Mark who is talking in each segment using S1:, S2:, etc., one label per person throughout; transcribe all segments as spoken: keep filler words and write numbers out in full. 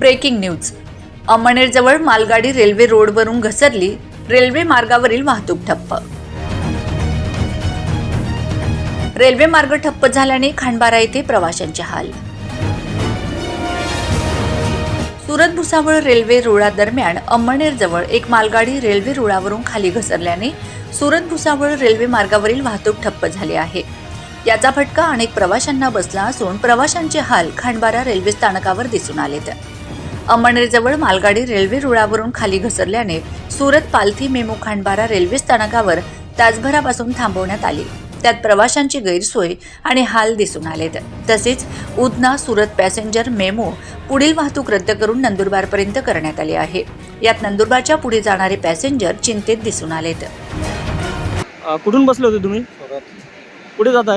S1: Breaking news. अमळनेरजवळ मालगाडी railway रोडवरून घसरली, रेल्वे मार्गावरील वाहतूक ठप्प. रेल्वे मार्ग ठप्प झाल्याने खांडबारा येथे प्रवाशांचे हाल. सुरत भुसावळ रेल्वे रुळादरम्यान अमळनेरजवळ एक मालगाडी रेल्वे रुळावरून खाली घसरल्याने सुरत भुसावळ रेल्वे मार्गावरील वाहतूक ठप्प झाली आहे. याचा फटका अनेक प्रवाशांना बसला असून प्रवाशांचे हाल खांडबारा रेल्वे स्थानकावर दिसून आलेत. अमळनेरजवळ मालगाडी रेल्वे रुळावरून खाली घसरल्याने सुरत पालथी मेमो खांडबारा रेल्वे स्थानकावर तासभरापासून थांबवण्यात आली. त्यात प्रवाशांची गैरसोय आणि हाल दिसून आलेत. तसेच उधना सुरत पॅसेंजर मेमो पुढील वाहतूक रद्द करून नंदुरबारपर्यंत करण्यात आली आहे. यात नंदुरबारच्या पुढे जाणारे पॅसेंजर चिंतेत दिसून आलेत.
S2: कुठून बसले होते तुम्ही? कुठे जात आहे?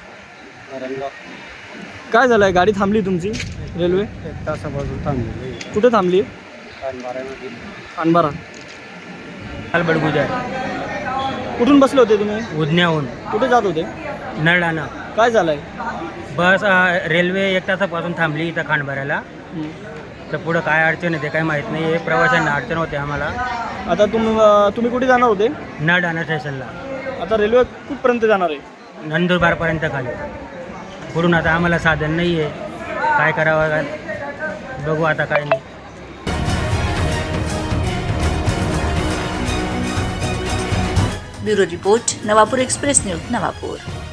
S2: काय झालंय? गाडी थांबली तुमची रेल्वे?
S3: एक तासापासून थांबली.
S2: कुठे थांबली?
S3: खांडबारामध्ये.
S2: खांडबारा.
S4: बडगुजा
S2: कुठून बसले होते तुम्ही?
S4: उधन्याहून
S2: कुठे जात होते?
S4: नरडाणा.
S2: काय झालंय?
S4: बस अ, रेल्वे एक तासापासून थांबली इथं खांडबाऱ्याला. तर पुढं काय अडचण आहे ते काही माहीत नाही. प्रवाशांना अडचण होते आम्हाला.
S2: आता तुम तुम्ही कुठे जाणार होते?
S4: नरडाणा स्टेशनला.
S2: आता रेल्वे कुठपर्यंत जाणार आहे?
S4: नंदुरबारपर्यंत खाली. पुढून आता आम्हाला साधन नाही आहे, काय करावं काय बघू आता काय नाही.
S1: Bureau report, Navapur express news, Navapur.